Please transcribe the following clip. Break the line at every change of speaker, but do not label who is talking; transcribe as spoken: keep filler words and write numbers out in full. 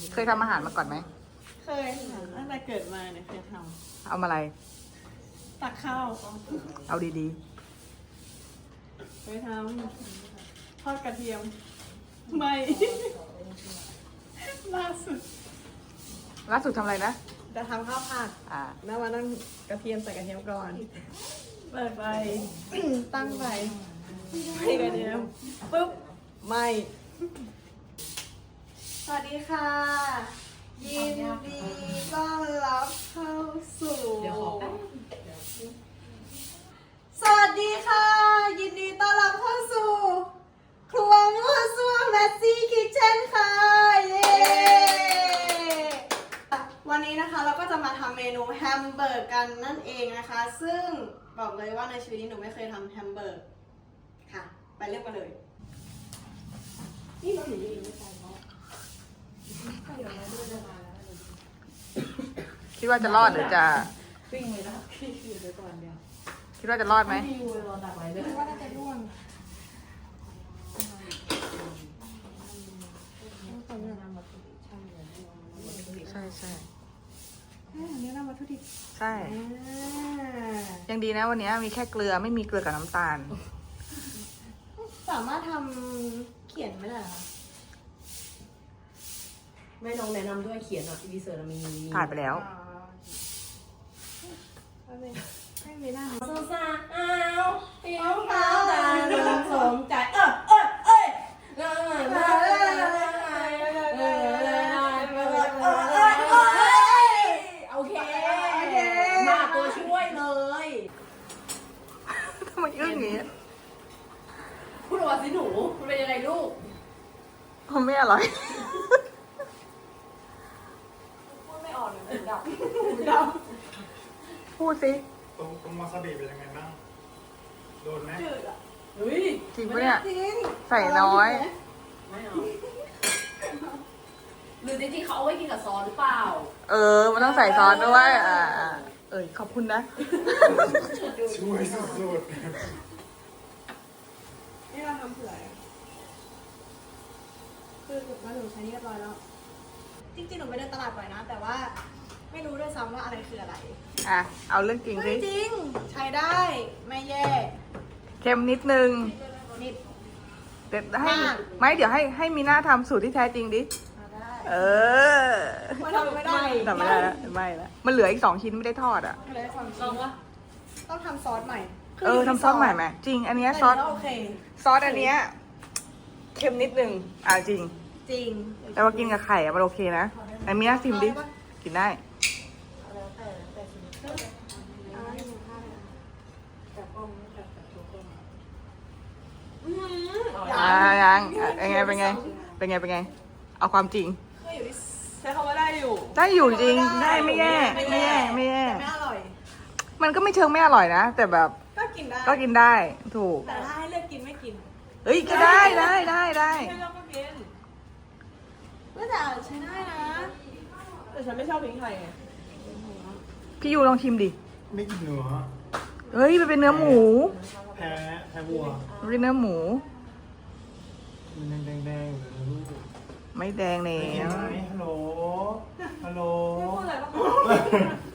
เคยทำอาหารมาก่อนไหม
เคยค่ะตั้งแต่เกิดมาเนี่ยเคยทำ
เอามาอะไร
ตักข้าว
เอาดี
เคยทำทอดกระเทียมไม่ ล่าสุด
ล่าสุดทำอะไรนะ
จะทำข้าวผัด
อ่า
แล้วมาตั้งกระเทียมใส่กระเทียมก่อนเปิดไฟ ตั้งไฟใส่กระเทียมปุ๊บไม่สวัสดีค่ะยินดีต้อนรับเข้าสู่สวัสดีค่ะยินดีต้อนรับเข้าสู่ครัวมั่วซั่วแมสซี่คิทเช่นค่ะเย้วันนี้นะคะเราก็จะมาทำเมนูแฮมเบอร์กกันนั่นเองนะคะซึ่งบอกเลยว่าในชีวิตนี้หนูไม่เคยทำแฮมเบอร์กค่ะไปเริ่มกันเลยนี่เราหนูยังไม่ใส่เนาะ
คิดว่าจะรอดหรือจะ
ปิ้งเลยนะพี่อยู่ไปก่อนเดียว
คิดว่าจะรอดไหม
พี่อยู่รอดักไว้เลย
ว่าน่าจะร่วง
ใช่ใช่
อันนี้น้ำวัตถุดิบ
ใช่ยังดีนะวันนี้มีแค่เกลือไม่มีเกลือกับน้ำตาล
สามารถทำเขียนไม่ได้หรอ
ไม่ลองแนะนำด้วยเขียนอ่ะดีเซอร์มี
ถ่ายไปแล้ว
ไม่ไม่ได้
สงสารอ้าวเตี้ยวขาวตาเริ่มสมใจเออเออเอ้ยเออเออเออโอเคมาตัวช่วยเลย
ทำไมอึ้งอย่างนี้
พูดว่าสิหนูมันเป็นยังไงลูก
มันไม่อร่อย
พูดไม่ออกเลยดับ
ดับ
พูดสิ
ตรงตรงวาซาบิเป็นยังไงบ้างโดนไหม
จืดอ่ะ
เฮ้ย
จริงปะเนี่ย
จริง
ใส่น้อย
ไม่เอาหรือจริงๆเขาเอาไว้กินกับซอสหรือเปล่า
เออมันต้องใส่ซอสด้วยอ่าเอ้ยขอบคุณนะ
ช่วยสุด
ๆนี่เราทำเผื่อคือมาหนูใช้นี่เรียบร้อยแล้วจริงๆหนูไปเดินตลาดบ่อยนะแต่ว่าไม่รู้ด้วยซ้ำว่าอะไรคืออะไร
อ่ะเอาเรื่องจริงสิ
จริงใช้ได้ไม่แย่
เค็มนิดนึง
นิด
เดี๋ยวให้ไม่เดี๋ยวให้ให้มีหน้าทำสูตรที่แท้จริงดิเออ
มันทำไม่ได้
ทำไม่ได้แล้วไม่แล้วมันเหลืออีกสองชิ้นไม่ได้ทอดอ่ะ
ลองวะ
ต้องทำซอสใหม่
เออทำซอสใหม่ไหมจริงอันเนี้ยซอส
โอเค
ซอสอันเนี้ยเค็มนิดนึงอ่ะจริง
จริง
แต่ว่ากินกับไข่อะมันโอเคนะอันมีน่าชิมดิกินได้อ่ายังเป็นไงเป็นไงเป็นไงเป็นไงเอาความจริง
ใช้คำว่าได้อยู่
ได้อยู่จริงได้ไม่แย่ไม่แย่ไม่แย่
ไม่อร่อย
มันก็ไม่เชิงไม่อร่อยนะแต่แบบ
ก็กินได้
ก็กินได้ถูก
แต่ถ้าให้เลือกกินไม่กิน
เอ้ยก็ได้ได้ได้ได้
ให้เราก็กินก็แต่ใช้ได้นะแต่ฉันไม่ชอบพริกไทยไง
พี่ยูลองชิมดิ
ไม่กินเนื้อ
เฮ้ยมันเป็นเนื้อหมู
แพ้แพ้วัว
มันเป็นเนื้อหมู
มันแดงแดงๆเลยลูก
ไม่แดงเลย
ฮัลโหลฮัลโหล
ไม่พูดอะไรบ้าง